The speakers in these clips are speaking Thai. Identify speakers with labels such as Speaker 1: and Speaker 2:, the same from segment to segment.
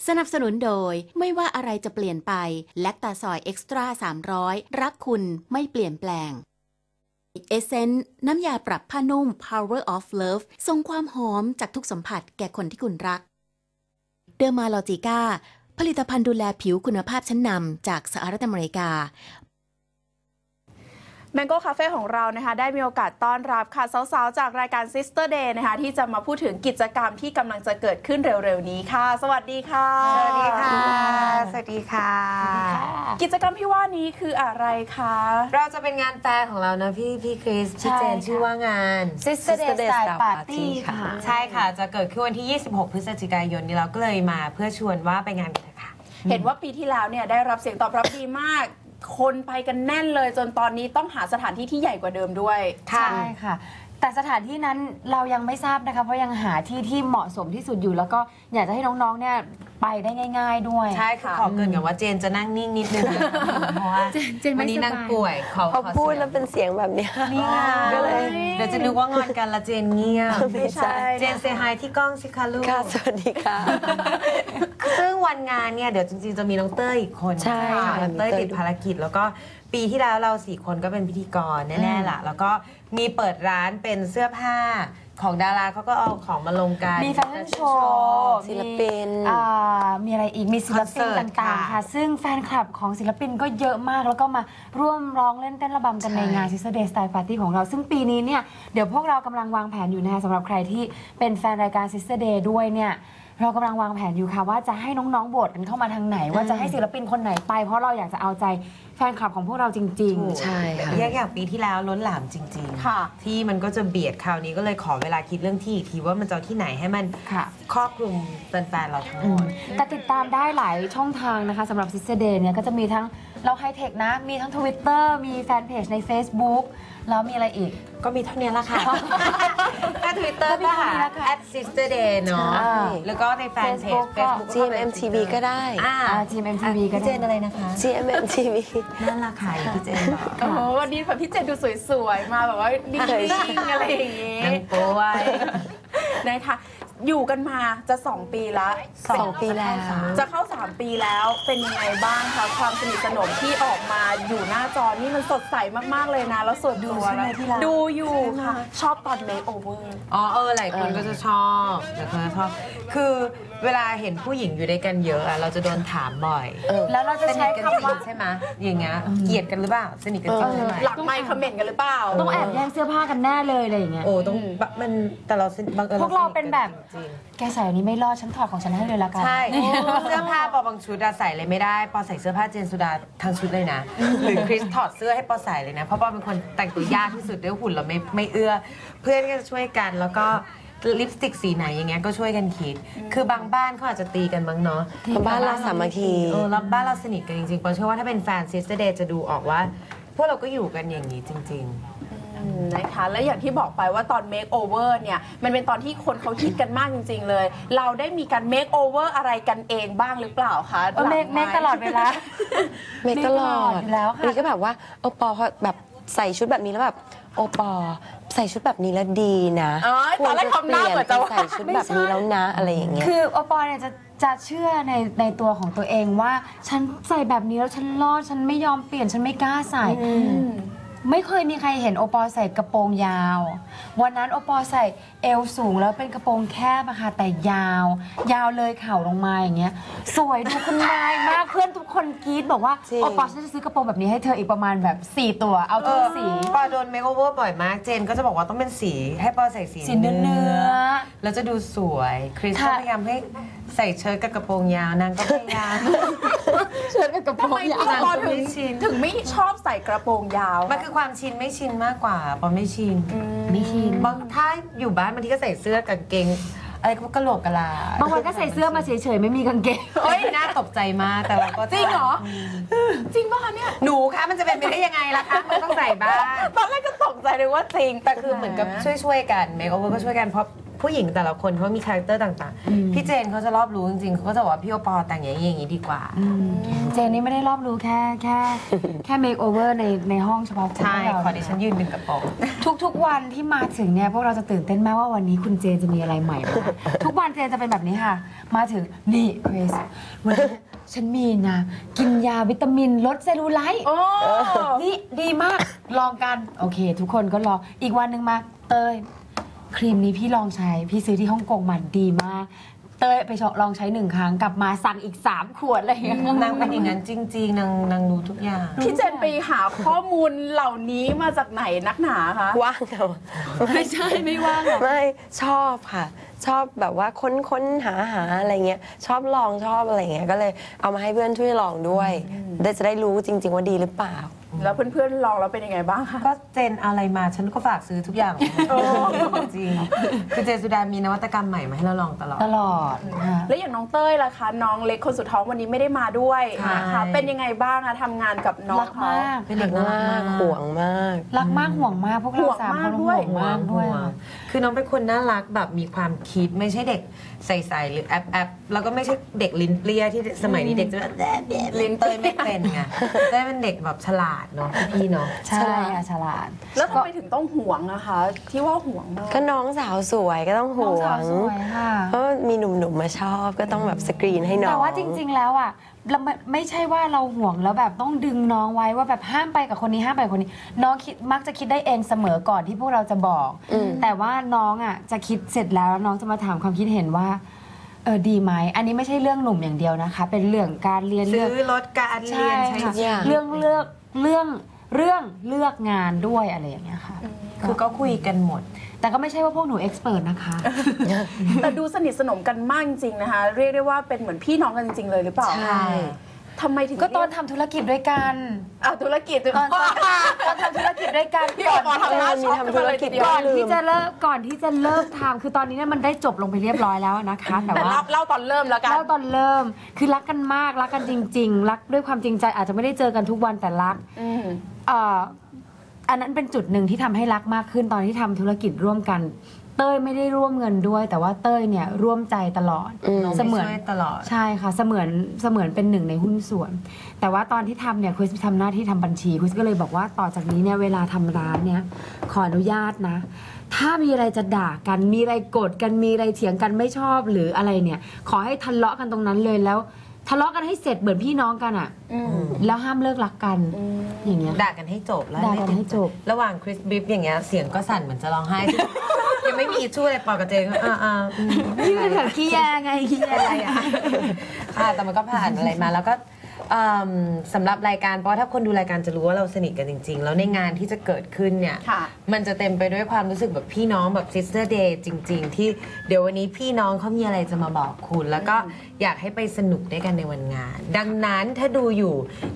Speaker 1: สนับสนุนโดยไม่ว่าอะไรจะเปลี่ยนไปแลคตาซอยเอ็กซ์ตร้า300รักคุณไม่เปลี่ยนแปลงเอเซนส์น้ำยาปรับผ้านุ่ม Power of Love ส่งความหอมจากทุกสัมผัสแก่คนที่คุณรักเดอร์มาลอจิก้าผลิตภัณฑ์ดูแลผิวคุณภาพชั้นนำจากสหรัฐอเมริกา
Speaker 2: Mango Cafe ของเรานะคะได้มีโอกาสต้อนรับค่ะสาวๆจากรายการ Sister Day นะคะที่จะมาพูดถึงกิจกรรมที่กำลังจะเกิดขึ้นเร็วๆนี้ค่ะสวัสดีค่ะ
Speaker 3: สวัสดีค่ะสวัสดีค่ะ
Speaker 2: กิจกรรมที่ว่านี้คืออะไรคะ
Speaker 3: เราจะเป็นงานแฟร์ของเรานะพี่คริสพี่เจนชื่อว่างาน
Speaker 4: Sister Day Style Party ค่ะ
Speaker 3: ใช่ค่ะจะเกิดขึ้นวันที่ 26 พฤศจิกายนนี้เราก็เลยมาเพื่อชวนว่าไปงานกันค่ะ
Speaker 2: เห็นว่าปีที่แล้วเนี่ยได้รับเสียงตอบรับดีมากคนไปกันแน่นเลยจนตอนนี้ต้องหาสถานที่ที่ใหญ่กว่าเดิมด้วย
Speaker 4: ใช่ค่ะแต่สถานที่นั้นเรายังไม่ทราบนะคะเพราะยังหาที่ที่เหมาะสมที่สุดอยู่แล้วก็อยากจะให้น้องๆเนี่ยไปได้ง่ายๆด้วย
Speaker 3: ใช่ค่ะขอเกินกับว่าเจนจะนั่งนิ่งนิดนึงเพราะว่าวันนี้นั่งป่วย
Speaker 5: พอพูดแล้วเป็นเสียงแบบนี้
Speaker 3: นี่ไงก็เลยเดี๋ยวจะนึกว่างอนกันละเจนเงียบ
Speaker 5: ไม่ใช่
Speaker 3: เจนเซฮายที่กล้องสิคะลูก
Speaker 5: ค่ะสวัสดีค่ะ
Speaker 3: ซึ่งวันงานเนี่ยเดี๋ยวจริงๆจะมีน้องเต้ยอีกคน
Speaker 5: ใช่ค่ะ
Speaker 3: น้องเต้ยติดภารกิจแล้วก็ปีที่แล้วเรา4 คนก็เป็นพิธีกรแน่ๆล่ะแล้วก็มีเปิดร้านเป็นเสื้อผ้าของดาราเขาก็เอาของมาลงกัน
Speaker 4: มีแฟชั่นโชว์
Speaker 5: ศิลปิน
Speaker 4: มีอะไรอีกมีศิลปินต่างๆค่ะซึ่งแฟนคลับของศิลปินก็เยอะมากแล้วก็มาร่วมร้องเล่นเต้นระบำกันในงาน Sister Day Style Party ของเราซึ่งปีนี้เนี่ยเดี๋ยวพวกเรากำลังวางแผนอยู่นะคะสำหรับใครที่เป็นแฟนรายการ Sister Day ด้วยเนี่ยเรากำลังวางแผนอยู่ค่ะว่าจะให้น้องๆโหวตกันเข้ามาทางไหนว่าจะให้ศิลปินคนไหนไปเพราะเราอยากจะเอาใจแฟนคลับของพวกเราจริง
Speaker 5: ๆใช่ค่ะ
Speaker 3: อย่างปีที่แล้วล้นหลามจริงๆที่มันก็จะเบียดคราวนี้ก็เลยขอเวลาคิดเรื่องที่อีกทีว่ามันจะที่ไหนให้มันครอบคลุมแฟนๆเราทั้งหมด
Speaker 4: แต่ติดตามได้หลายช่องทางนะคะสำหรับ Sister Day เนี่ยก็จะมีทั้งเราไฮเทคนะมีทั้ง Twitter มีแฟนเพจใน Facebook แล้วมีอะไรอีก
Speaker 3: ก็มีเท่านี้ละค่ะถ้า Twitter ก็ค่ะ @sisterday เนาะแล้วก็ในแฟนเพจ Facebook
Speaker 5: GMMTV ก็ได้
Speaker 4: GMMTV ก็
Speaker 3: เจนอะไรนะคะ
Speaker 5: GMMTV
Speaker 3: นั่นราคาพี่เจนบอก
Speaker 2: โอ้โหวันนี้แบบพี่เจนดูสวยๆมาแบบว่านิ่งๆอะไรอย่างงี้
Speaker 3: ป่วย
Speaker 2: นะคะอยู่กันมาจะ2 ปีละ
Speaker 5: 2 ปีแล้ว
Speaker 2: จะเข้า3 ปีแล้วเป็นยังไงบ้างคะความสนิทสนมที่ออกมาอยู่หน้าจอนี่มันสดใสมากๆเลยนะแล้วส่วนตัวดูอยู่ค่ะชอบตอนเมคโอเวอร์
Speaker 3: หลายคนก็จะชอบหลายคนจะชอบคือเวลาเห็นผู้หญิงอยู่ด้วยกันเยอะเราจะโดนถามบ่อย
Speaker 4: แล้วเราจะใช้คำว่า
Speaker 3: ใช่ไหมอย่างเงี้ยเกลียดกันหรือเปล่าสนิทกันจริงใช่ไหม
Speaker 2: หลักไม่คอมเมนต์กันหรือเปล่า
Speaker 4: ต้องแอบแย่งเสื้อผ้ากันแน่เลยอะไรอย่างเงี้ย
Speaker 3: ต้องมันแต่เรา
Speaker 4: พวกเราเป็นแบบแกใส่อันนี้ไม่รอดฉันถอดของฉันให้เลยละกัน
Speaker 3: ใช่เสื้อผ้าปอบางชุดใส่เลยไม่ได้ปอใส่เสื้อผ้าเจนสุดาทั้งชุดเลยนะหรือคริสถอดเสื้อให้ปอใส่เลยนะเพราะปอเป็นคนแต่งตัวยากที่สุดด้วยหุ่นเราไม่เอื้อเพื่อนก็จะช่วยกันแล้วก็ลิปสติกสีไหนอย่างเงี้ยก็ช่วยกันคิดคือบางบ้านเขาอาจจะตีกันบ้างเนาะ
Speaker 5: บ้านเราสามัคคี
Speaker 3: แล้วบ้านเราสนิทกันจริงๆปอเชื่อว่าถ้าเป็นแฟน Sister Day จะดูออกว่าพวกเราก็อยู่กันอย่างนี้จริง
Speaker 2: นะคะและอย่างที่บอกไปว่าตอน Make Over เนี่ยมันเป็นตอนที่คนเขาฮิตกันมากจริงๆเลยเราได้มีการ Make Over อะไรกันเองบ้างหรือเปล่าคะ
Speaker 4: เมคตลอดเวลา
Speaker 5: เมคตลอดอยู่แล้วค่ะนี่ก็แบบว่าโอปอแบบใส่ชุดแบบนี้แล้วแบบโอปอใส่ชุดแบบนี้แล้วดีนะ
Speaker 2: ตอนแรกทำหน้าเหมือนจะ
Speaker 5: ใส่ชุดแบบนี้แล้วนะอะไรอย่างเงี้ย
Speaker 4: คือโอปอเนี่ยจะเชื่อในตัวของตัวเองว่าฉันใส่แบบนี้แล้วฉันรอดฉันไม่ยอมเปลี่ยนฉันไม่กล้าใส่ไม่เคยมีใครเห็นโอปอใส่กระโปรงยาววันนั้นโอปอใส่เอวสูงแล้วเป็นกระโปรงแคบอะค่ะแต่ยาวเลยเข่าลงมาอย่างเงี้ยสวยดูคุณนายมากเพื่อนทุกคนกรี๊ดบอกว่าโอปอฉันจะซื้อกระโปรงแบบนี้ให้เธออีกประมาณแบบ4 ตัวเอาทุกสี
Speaker 3: ปอโดนเมคโอเวอร์บ่อยมากเจนก็จะบอกว่าต้องเป็นสีให้ปอใส่สี
Speaker 4: เนื้อ
Speaker 3: แล้วจะดูสวยคริสก็พยายามให้ใส่เชิ้ตกับกระโปรงยาวนางก็พยายาม
Speaker 4: เชิ้ตกับกระโปรงยาว
Speaker 2: ถึงไม่ชอบใส่กระโปรงยาว
Speaker 3: มันคือความชินไม่ชินมากกว่าปอไม่ชินบางถ้าอยู่บ้านบางทีก็ใส่เสื้อกับเกงอะไรก็กระโหลกกะลา
Speaker 4: บางวันก็ใส่เสื้อมาเฉยๆไม่มีกางเกง
Speaker 3: น่าตกใจมากแต่เราก็
Speaker 2: จริงเหรอจริงป่ะคะเนี่ย
Speaker 3: หนูคะมันจะเป็นไปได้ยังไงล่ะคะมันต้องใส่บ้าง
Speaker 2: ตอนแรกก็ตกใจเลยว่าจริง
Speaker 3: แต่คือเหมือนกับช่วยกันเมคโอเวอร์ก็ช่วยกันเพราะผู้หญิงแต่ละคนเขามีคาแรคเตอร์ต่างๆพี่เจนเขาจะรอบรู้จริงๆเขาก็จะบอกว่าพี่โอปอแต่งอย่างนี้ดีกว่า
Speaker 4: เจนนี่ไม่ได้รอบรู้แค่เมคโอเวอร์ในห้องเฉพาะคน
Speaker 3: ใช่
Speaker 4: เรา
Speaker 3: ขอดิฉันยืนดึงกระโปรง
Speaker 4: ทุกวันที่มาถึงเนี่ยพวกเราจะตื่นเต้นมากว่าวันนี้คุณเจนจะมีอะไรใหม่มาทุกวันเจนจะเป็นแบบนี้ค่ะ มาถึงนี่คริสวันนี้ฉันมีนะกินยาวิตามินลดเซลลูไลท์นี่ดีมากลองกันโอเค ทุกคนก็ลองอีกวันหนึ่งมาเตยครีมนี้พี่ลองใช้พี่ซื้อที่ฮ่องกงมาดีมากเต้ยไปลองใช้1 ครั้งกลับมาสั่งอีก3 ขวดอะไรอย่างเงี้ย
Speaker 3: นางเป็นอย่างนั้นจริงๆนางรู้ทุกอย่าง
Speaker 2: พี่เจนไปหาข้อมูลเหล่านี้มาจากไหนนักหนาคะ
Speaker 5: ว่างค่ะ
Speaker 4: ไม่ใช่ไม่ว่างหรอก
Speaker 5: ไม่ชอบค่ะ ชอบแบบว่าค้นหาอะไรเงี้ยชอบลองชอบอะไรเงี้ยก็เลยเอามาให้เพื่อนช่วยลองด้วยจะได้รู้จริง ๆ ว่าดีหรือเปล่า
Speaker 2: แล้วเพื่อนๆลองแล้วเป็นยังไงบ้างคะ
Speaker 3: ก็เจนอะไรมาฉันก็ฝากซื้อทุกอย่างจริงคือเจนสุดามีนวัตกรรมใหม่มาให้เราลองตลอด
Speaker 4: ตลอดค่ะ
Speaker 2: แล้วอย่างน้องเต้ยล่ะคะน้องเล็กคนสุดท้องวันนี้ไม่ได้มาด้วยนะคะเป็นยังไงบ้างคะทำงานกับน้อง
Speaker 4: รัก
Speaker 2: เขา
Speaker 4: มาก
Speaker 3: เป็นเด็กน่ารักมาก
Speaker 5: ห่วงมาก
Speaker 4: รักมากห่วงมากพวกเราสามคนห่วงมากด้วย
Speaker 3: คือน้องเป็นคนน่ารักแบบมีความคิดไม่ใช่เด็กใส่หรือแอบแล้วก็ไม่ใช่เด็กลิ้นเปรี้ยที่สมัยนี้เด็กจะแบบลิ้นเตยไม่เป็นไงเต้ยเป็นเด็กแบบฉลาดเนาะพี่เนาะ
Speaker 4: ใช่ค่ะฉลาด
Speaker 2: แล้วทำไมถึงต้องห่วงนะคะ ที่ว่าห่วงมาก
Speaker 5: ก็น้องสาวสวยก็ต้องห่ว
Speaker 4: น้องสาง วสวยค่ะ
Speaker 5: เพราะมีหนุ่มๆมาชอบก็ต้องแบบสกรีนให้น้อง
Speaker 4: แต่ว่าจริง ๆ แล้วอ่ะเราไม่ใช่ว่าเราห่วงแล้วแบบต้องดึงน้องไว้ว่าแบบห้ามไปกับคนนี้ห้ามไปกับคนนี้ น้องมักจะคิดได้เองเสมอก่อนที่พวกเราจะบอก แต่ว่าน้องอ่ะจะคิดเสร็จแล้วน้องจะมาถามความคิดเห็นว่าดีไหมอันนี้ไม่ใช่เรื่องหนุ่มอย่างเดียวนะคะ เป็นเรื่องการเรียน
Speaker 3: ซื้
Speaker 4: เรื่อง
Speaker 3: อรถการเรี
Speaker 4: ใช่
Speaker 3: ยนใช้
Speaker 4: ค่ะ
Speaker 3: ชีวิต
Speaker 4: เรื่องเลือกงานด้วยอะไรอย่างเงี้ยค่ะ
Speaker 3: คือก็คุยกันหมด
Speaker 4: แต่ก็ไม่ใช่ว่าพวกหนูเอ็กซ์เพรสนะคะ
Speaker 2: แต่ดูสนิทสนมกันมากจริงๆนะคะ เรียกได้ว่าเป็นเหมือนพี่น้องกันจริงๆเลยหรือเปล่า
Speaker 5: ใช่
Speaker 2: ทำไมถึง
Speaker 4: ก็ตอนทำธุรกิจด้วยกัน
Speaker 2: ธุรกิจ
Speaker 4: ตอนทำธุรกิจด้วยกัน
Speaker 2: พี่โอปอทำหน้าช็อก
Speaker 5: ทำธุรกิจ
Speaker 2: ก่
Speaker 4: ก่
Speaker 2: อ
Speaker 4: อน นที่จะเลิกทำคือตอนนี้เนี่ยมันได้จบลงไปเรียบร้อยแล้วนะคะ แต่
Speaker 2: แต่
Speaker 4: ว่า
Speaker 2: เล่าตอนเริ่มแล้วกัน
Speaker 4: เล่าตอนเริ่มคือรักกันมากรักกันจริง ๆ รักด้วยความจริงใจอาจจะไม่ได้เจอกันทุกวันแต่รัก
Speaker 2: อืม
Speaker 4: อันนั้นเป็นจุดหนึ่งที่ทำให้รักมากขึ้นตอนที่ทำธุรกิจร่วมกัน เต้ยไม่ได้ร่วมเงินด้วย แต่ว่าเต้ยเนี่ยร่วมใจตลอด
Speaker 3: น้อง
Speaker 4: เส
Speaker 3: ไป
Speaker 4: มือน
Speaker 3: ช่วยตลอด
Speaker 4: ใช่ค่ะเสมือนเป็นหนึ่งในหุ้นส่วน แต่ว่าตอนที่ทำเนี่ยคริสทำหน้าที่ทำบัญชีคริสก็เลยบอกว่าต่อจากนี้เนี่ยเวลาทำร้านเนี่ยขออนุญาตนะ ถ้ามีอะไรจะด่ากันมีอะไรโกรธกันมีอะไรเถียงกันไม่ชอบหรืออะไรเนี่ย ขอให้ทะเลาะกันตรงนั้นเลยแล้วทะเลาะกันให้เสร็จเหมือนพี่น้องกันอ่ะแล้วห้ามเลิกรักกันอย่างเงี้ย
Speaker 3: ด่ากันให้จบแล้ว
Speaker 4: ด่ากันให้จบ
Speaker 3: ระหว่างคริสบิฟอย่างเงี้ยเสียงก็สั่นเหมือนจะร้องไห้ ยังไม่มีอิชชูอะไรปอกับเจนก็
Speaker 4: นี่เป็นแบบขี้แยไงขี้แย
Speaker 3: อะไรอ่ะแต่มันก็ผ่านอะไรมาแล้วก็สำหรับรายการเพราะว่าถ้าคนดูรายการจะรู้ว่าเราสนิทกันจริง ๆ แล้วในงานที่จะเกิดขึ้นเนี่ย
Speaker 2: ค่ะ
Speaker 3: มันจะเต็มไปด้วยความรู้สึกแบบพี่น้องแบบ sister day จริง ๆ ที่เดี๋ยววันนี้พี่น้องเขามีอะไรจะมาบอกคุณ แล้วก็อยากให้ไปสนุกด้วยกันในวันงาน ดังนั้นถ้าดูอยู่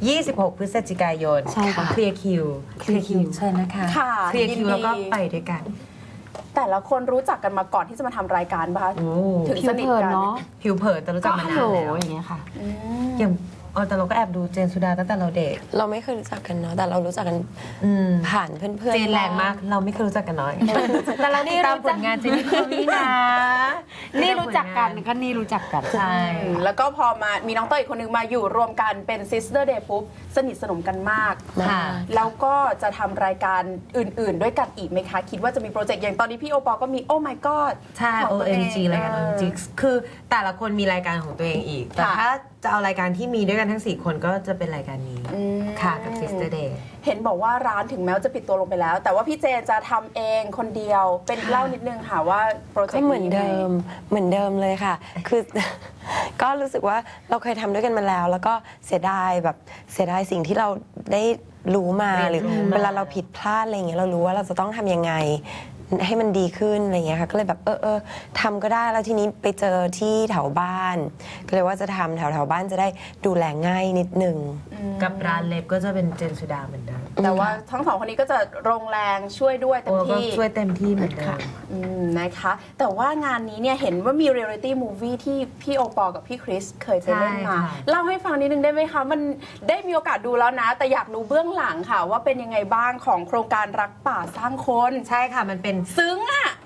Speaker 3: 26 พฤศจิกายน
Speaker 4: ใช่ค่ะ
Speaker 3: เคลียร์คิวเชิญนะคะ
Speaker 2: ค่ะ
Speaker 3: เคลียร์คิว
Speaker 2: ยินดี
Speaker 3: แล้วก็ไปด้วยกัน
Speaker 2: แต่ละคนรู้จักกันมาก่อนที่จะมาทำรายการป่ะคะ
Speaker 3: โอ้
Speaker 2: ถึง
Speaker 4: ผิ
Speaker 2: ส
Speaker 4: ว
Speaker 2: นิท
Speaker 4: เผิน
Speaker 2: กัน
Speaker 4: เนาะ
Speaker 3: ผิวเผินแต่รู้จั
Speaker 4: ก็
Speaker 3: กมา
Speaker 4: ฮัล
Speaker 3: นา
Speaker 4: โหล
Speaker 3: นแล้ว
Speaker 4: อย่างเงี้ยค่ะ
Speaker 3: อย่างแต่เราก็แอบดูเจนสุดาตั้งแต่เราเด็ก
Speaker 5: เราไม่เคยรู้จักกันเนาะแต่เรารู้จักกัน
Speaker 3: อืม
Speaker 5: ผ่านเพื่อนๆ
Speaker 3: เจนแรงมาก เราไม่เคยรู้จักกันน้อย
Speaker 4: แต่เรานี่
Speaker 3: ตาม
Speaker 4: รู้
Speaker 3: ผ
Speaker 4: จัก
Speaker 3: ลงานเจนนี่คอมี่นะ
Speaker 4: นี่รู้จักกันก็นี่รู้จักกัน
Speaker 3: ใช่
Speaker 2: แล้วก็พอมามีน้องเต้ยอีกคนนึงมาอยู่รวมกันเป็น Sister Day ปุ๊บสนิทสนมกันมาก
Speaker 3: ค่ะ
Speaker 2: แล้วก็จะทำรายการอื่นๆ ด้วยกันอีกไหมคะ คิดว่าจะมีโปรเจกต์อย่างตอนนี้พี่โอปอก็มี Oh my god
Speaker 3: ใช่
Speaker 2: ของตัวเอง
Speaker 3: OMG รายการ OMG คือแต่ละคนมีรายการของตัวเองอีก แต่
Speaker 2: ค่ะ
Speaker 3: ถ้าจะเอารายการที่มีด้วยกันทั้ง 4 คนก็จะเป็นรายการนี้ ค่ะ กับ Sister Day
Speaker 2: เห็นบอกว่าร้านถึงแม้ว่าจะปิดตัวลงไปแล้ว แต่ว่าพี่เจนจะทำเองคนเดียวเป็นเล่านิดนึงค่ะว่าโปรเจก
Speaker 5: ก็
Speaker 2: ต์
Speaker 5: เหมือนเดิมเลยค่ะ คือ ก็รู้สึกว่าเราเคยทำด้วยกันมาแล้ว แล้วก็เสียดายสิ่งที่เราได้รู้มาหรือเวลาเราผิดพลาดอะไรอย่างเงี้ยเรารู้ว่าเราจะต้องทำยังไงให้มันดีขึ้นอะไรอย่างเงี้ยค่ะก็เลยแบบทำก็ได้แล้วทีนี้ไปเจอที่แถวบ้าน ก็เลยว่าจะทำแถวบ้านจะได้ดูแลง่ายนิดนึง
Speaker 3: กับร้านเล็บก็จะเป็นเจนสุดาเหมือนเดิม
Speaker 2: แต่ว่าทั้งสองคนนี้ก็จะลงแรงช่วยด้วยเต็ม
Speaker 3: โอ้ก็
Speaker 2: ที่
Speaker 3: ช่วยเต็มที่เหมือนเดิม
Speaker 2: นะคะ แต่ว่างานนี้เนี่ยเห็นว่ามีเรียลลิตี้มูฟวี่ที่พี่โอปอกับพี่คริสเคยไปเล่นมา
Speaker 3: ใช่ค่ะ
Speaker 2: เล่าให้ฟังนิดนึงได้ไหมคะ มันได้มีโอกาสดูแล้วนะ แต่อยากรู้เบื้องหลังค่ะ ว่าเป็นยังไงบ้างของโครงการรักป่าสร้างคน
Speaker 3: ใช่ค่ะมันเป็น
Speaker 2: ซึ้งอ่ะ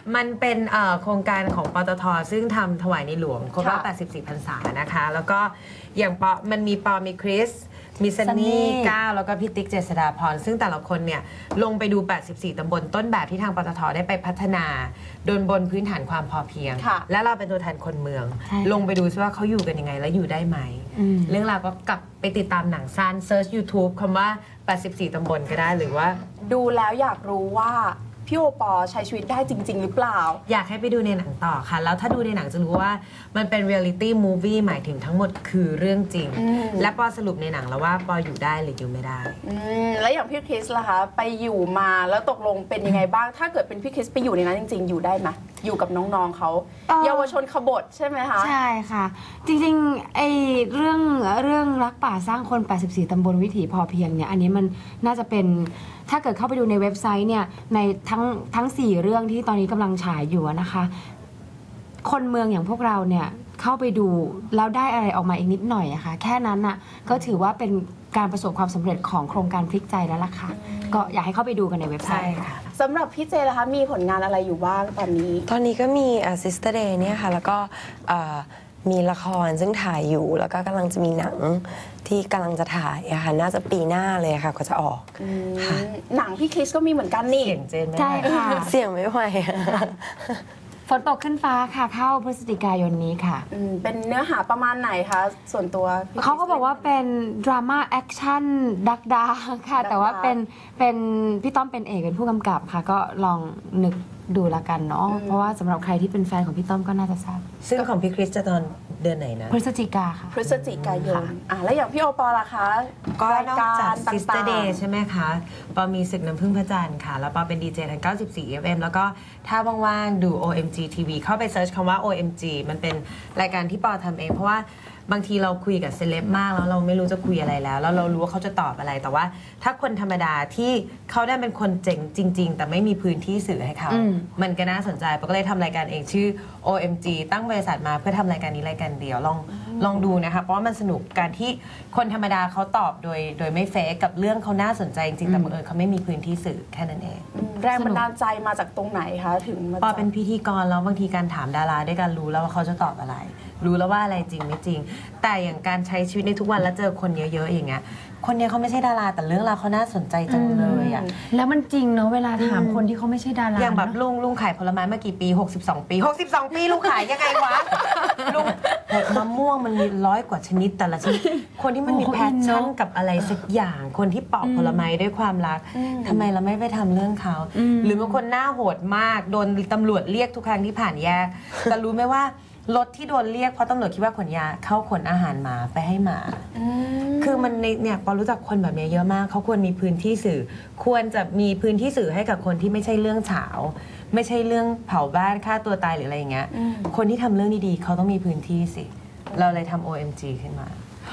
Speaker 3: มันเป็นโครงการของปตท.ซึ่งทำถวายในหลวงครบรอบ
Speaker 2: ค่ะ
Speaker 3: 84 พรรษานะคะ แล้วก็อย่างมันมีมีคริส มีซันนี่ก้าวแล้วก็พี่ติ๊กเจษฎาพรซึ่งแต่ละคนเนี่ยลงไปดู 84 ตำบลต้นแบบที่ทางปตท.ได้ไปพัฒนาบนพื้นฐานความพอเพียง
Speaker 2: ค่ะ
Speaker 3: และเราเป็นตัวแทนคนเมือง ลงไปดูซิว่าเขาอยู่กันยังไงและอยู่ได้ไหม เรื่องราวก็กลับไปติดตามหนังสั้นเซิร์ช YouTube คำว่า 84 ตำบลก็ได้หรือว่า
Speaker 2: ดูแล้วอยากรู้ว่าพี่โอปอใช้ชีวิตได้จริง ๆ หรือเปล่า
Speaker 3: อยากให้ไปดูในหนังต่อค่ะ แล้วถ้าดูในหนังจะรู้ว่ามันเป็นเรียลลิตี้มูฟวี่หมายถึงทั้งหมดคือเรื่องจริง และปอสรุปในหนังแล้วว่าปออยู่ได้หรืออยู่ไม่ได้
Speaker 2: แล้วอย่างพี่คริสล่ะคะไปอยู่มาแล้วตกลงเป็นยังไงบ้าง ถ้าเกิดเป็นพี่คริสไปอยู่ในนั้นจริง ๆ อยู่ได้ไหมอยู่กับน้องๆเขาเยาวชนขบฏใช่ไหมคะ
Speaker 4: ใช่ค่ะ จริงๆไอ้เรื่องรักป่าสร้างคน 84 ตำบลวิถีพอเพียงเนี่ยอันนี้มันน่าจะเป็นถ้าเกิดเข้าไปดูในเว็บไซต์เนี่ยในทั้ง 4 เรื่องที่ตอนนี้กำลังฉายอยู่นะคะ คนเมืองอย่างพวกเราเนี่ยเข้าไปดูแล้วได้อะไรออกมาอีกนิดหน่อยอะค่ะแค่นั้นน่ะก็ถือว่าเป็นการประสบความสำเร็จของโครงการพลิกใจแล้วล่ะค่ะก็อยากให้เข้าไปดูกันในเว็บไซต์ค่ะ
Speaker 2: สำหรับพี่เจล่ะคะมีผลงานอะไรอยู่บ้างตอนนี้
Speaker 5: ตอนนี้ก็มีSister Day เนี่ยค่ะแล้วก็มีละครซึ่งถ่ายอยู่แล้วก็กำลังจะมีหนังที่กำลังจะถ่ายอะค่ะน่าจะปีหน้าเลยค่ะก็จะออกค่ะ
Speaker 2: หนังพี่คริสก็มีเหมือนกันนี่
Speaker 3: เสียงเจนไหม
Speaker 4: ใช่ค่ะ
Speaker 5: เสียงไม่ไหวอะ
Speaker 4: ฝนตกขึ้นฟ้าค่ะเข้าพฤศจิกายนนี้ค่ะ
Speaker 2: เป็นเนื้อหาประมาณไหนคะส่วนตัวพี่คริส
Speaker 4: เขาก็บอกว่าเป็นดราม่าแอคชั่นดักดาค่ะ แต่ว่าเป็นพี่ต้อมเป็นเอกเป็นผู้กำกับค่ะ ก็ลองนึกดูละกันเนาะเพราะว่าสำหรับใครที่เป็นแฟนของพี่ต้อมก็น่าจะทราบ
Speaker 3: ซึ่งของพี่คริสจะตอนเดือนไหนนะ
Speaker 4: พฤศจิกาค่ะ
Speaker 2: พฤศจิกายนแล้วอย่างพี่โอปอล่ะคะ
Speaker 3: ก็
Speaker 2: ราย
Speaker 3: นอก
Speaker 2: กา
Speaker 3: จาก
Speaker 2: ร
Speaker 3: Sister
Speaker 2: ต่าง
Speaker 3: Day ใช่ไหมคะปอมีศึกน้ำพึ่งพระจันทร์ค่ะ แล้วปอเป็นดีเจทาง 94 FM แล้วก็ถ้าว่างๆ ดู OMG TV เข้าไปเซิร์ชคำว่า OMG มันเป็นรายการที่ปอทำเอง เพราะว่าบางทีเราคุยกับเซเลบมากแล้วเราไม่รู้จะคุยอะไรแล้วเรารู้ว่าเขาจะตอบอะไร แต่ว่าถ้าคนธรรมดาที่เขาได้เป็นคนเจ๋งจริง ๆ แต่ไม่มีพื้นที่สื่อให้เขา มันก็น่าสนใจปอก็เลยทำรายการเองชื่อ OMG ตั้งบริษัทมาเพื่อทำรายการนี้รายการเดียวลองดูนะคะเพราะว่ามันสนุกการที่คนธรรมดาเขาตอบโดยไม่เฟกกับเรื่องเขาน่าสนใจจริงๆแต่บังเอิญเขาไม่มีพื้นที่สื่อแค่นั้นเอง
Speaker 2: แรงบันดาลใจมาจากตรงไหนคะถึงมา
Speaker 3: ปอเป็นพิธีกรแล้วบางทีการถามดาราด้วยกันรู้แล้วว่าเขาจะตอบอะไร รู้แล้วว่าอะไรจริงไม่จริง แต่อย่างการใช้ชีวิตในทุกวันแล้วเจอคนเยอะๆอย่างเงี้ยคนเนี้ยเขาไม่ใช่ดาราแต่เรื่องราวเขาน่าสนใจจังเลยอ่ะ
Speaker 4: แล้วมันจริงเนาะเวลาถามคนที่เขาไม่ใช่ดารา
Speaker 3: อย่างแบบ
Speaker 4: เนอะ
Speaker 3: ลุงขายผลไม้มากี่ปี62 ปี62 ปีลุงขายยังไงวะลุงมะม่วงมันมี100 กว่าชนิดแต่ละชนิดคนที่มันมีแพชชั่นกับอะไรสักอย่างคนที่ปอกผลไม้ด้วยความรักทำไมเราไม่ไปทำเรื่องเขาหรือบางคนหน้าโหดมากโดนตำรวจเรียกทุกครั้งที่ผ่านแยกแต่รู้ไหมว่ารถที่โดนเรียกเพราะตำรวจคิดว่าขนยาเข้าขนอาหารหมาไปให้หมาคือมันเนี่ยปอรู้จักคนแบบนี้เยอะมากเขาควรมีพื้นที่สื่อควรจะมีพื้นที่สื่อให้กับคนที่ไม่ใช่เรื่องเฉาไม่ใช่เรื่องเผาบ้านฆ่าตัวตายหรืออะไรอย่างเงี้ยคนที่ทำเรื่องดีๆเขาต้องมีพื้นที่สิเราเลยทำ OMG ขึ้นมา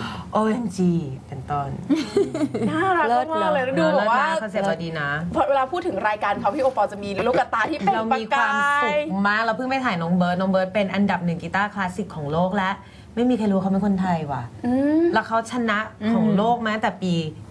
Speaker 3: OMG เป็นต้น
Speaker 2: น่ารักมากเลยดูแบบว่า
Speaker 3: คอนเซ็ปต์เราดีนะ
Speaker 2: พอเวลาพูดถึงรายการเขาพี่โอปอจะมีลูกตาที่เป็น
Speaker 3: เรามีความสุขมากเราเพิ่งไปถ่ายน้องเบิร์ดเป็นอันดับ1กีตาร์คลาสสิกของโลกและไม่มีใครรู้เขาเป็นคนไทยว่ะแล้วเขาชนะของโลกมาแต่ปี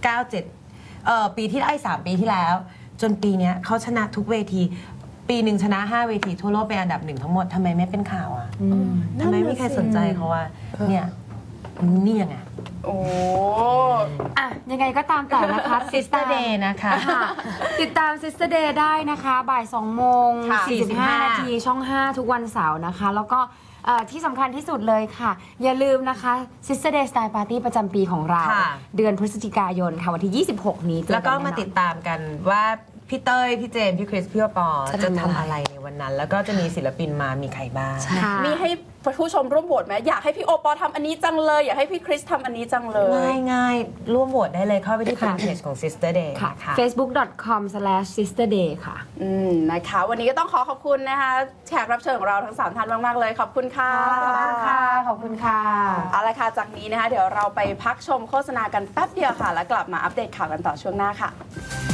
Speaker 3: 97ปีที่3 ปีที่แล้ว จนปีนี้เขาชนะทุกเวทีปีหนึ่งชนะ5 เวทีทั่วโลกเป็นอันดับ1ทั้งหมดทำไมไม่เป็นข่าวอ่ะทำไมไม่มีใครสนใจเขาว่าเนี่ยนี่ยังไง
Speaker 2: โอ้
Speaker 4: อ่ะยังไงก็ตามแต่นะคะ
Speaker 3: Sister Day นะคะ
Speaker 4: ค่ะติดตาม Sister Day ได้นะคะบ่าย2 โมง 45 นาทีช่อง 5 ทุกวันเสาร์นะคะ แล้วก็ที่สำคัญที่สุดเลยค่ะ อย่าลืมนะคะ Sister Day Style Party ประจำปีของเรา
Speaker 3: ค่ะ
Speaker 4: เดือนพฤศจิกายนค่ะวันที่ 26 นี้เจอ
Speaker 3: แล้วก็
Speaker 4: นแน่นอน
Speaker 3: มาติดตามกันว่าพี่เต้ยพี่เจมส์พี่คริสพี่ปอจะทำอะไรในวันนั้น แล้วก็จะมีศิลปินมามีใครบ้าง
Speaker 4: ค่ะ
Speaker 2: มีให้ผู้ชมร่วมโหวตไหมอยากให้พี่โอปอทำอันนี้จังเลยอยากให้พี่คริสทำอันนี้จังเลย
Speaker 3: ง่ายๆร่วมโหวตได้เลยเข้าไปที่แฟนเพจของ Sister Day
Speaker 4: ค่ะ
Speaker 3: นะคะ
Speaker 4: facebook.com/sisterday ค่ะ
Speaker 2: นะคะ วันนี้ก็ต้องขอบคุณนะคะแขกรับเชิญของเราทั้ง3ท่านมากๆเลยขอบคุณค่ะ
Speaker 4: ขอบคุณค่ะ ขอบคุณค่ะ
Speaker 2: เอาละค่ะจากนี้นะคะเดี๋ยวเราไปพักชมโฆษณากันแป๊บเดียวค่ะ แล้วกลับมาอัปเดตข่าวกันต่อช่วงหน้าค่ะ